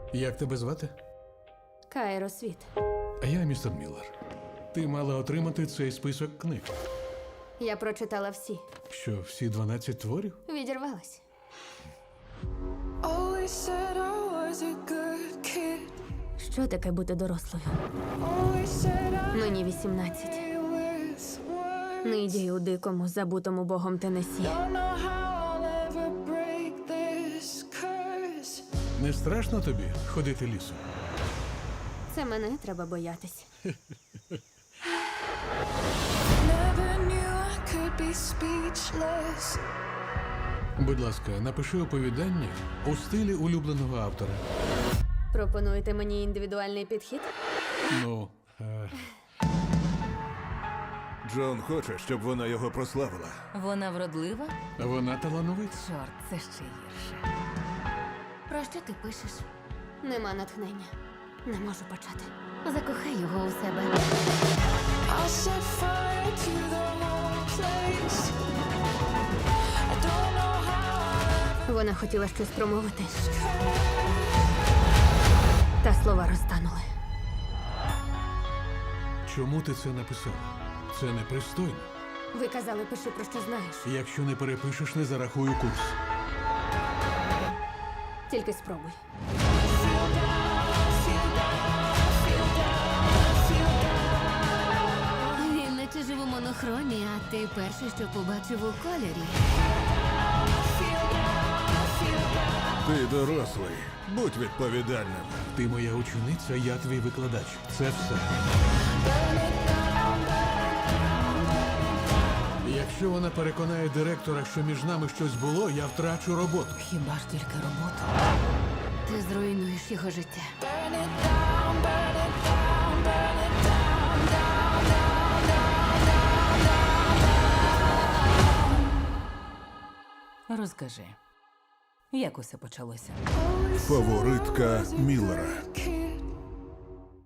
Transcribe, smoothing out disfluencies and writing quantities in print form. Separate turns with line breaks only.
Як тебе звати?
Кайро Світ.
А я містер Міллер. Ти мала отримати цей список книг.
Я прочитала всі.
Що, всі 12 творів?
Відірвалась.
Always said I was a good kid.
Що таке бути дорослою?
Always said I
Мені 18.
with words.
Нидію у дикому, забутому богом Теннессі.
Don't know how I'll ever break this curse.
Не страшно тобі ходити лісом?
Це мене треба боятись.
Never knew I could be speechless.
Будь ласка, напиши оповідання у стилі улюбленого автора.
Пропонуєте мені індивідуальний підхід?
Ну,
Джон хоче, щоб вона його прославила.
Вона вродлива?
вона талановита.
Чорт, це ще гірше. Про що ти пишеш?
Нема натхнення. Не можу почати.
Закохай його у себе.
I'll set fire to the whole place. I don't know how
Вона хотіла щось промовити. Та слова розтанули.
Чому ти це написала? Це непристойно.
Ви казали, пиши про що знаєш.
Якщо не перепишеш, не зарахую курс.
Тільки спробуй.
Він наче жив у монохромі, а ти перший, що побачив у кольорі.
Ти дорослий, будь відповідальним.
Ти моя учениця, я твій викладач. Це все. Якщо вона переконає директора, що між нами щось було, я втрачу роботу.
Хіба ж тільки роботу? Ти зруйнуєш його життя.
burn it down, burn it down, burn it down, down, down, down.
Розкажи, як усе почалося?
Фаворитка Міллера.
Kid.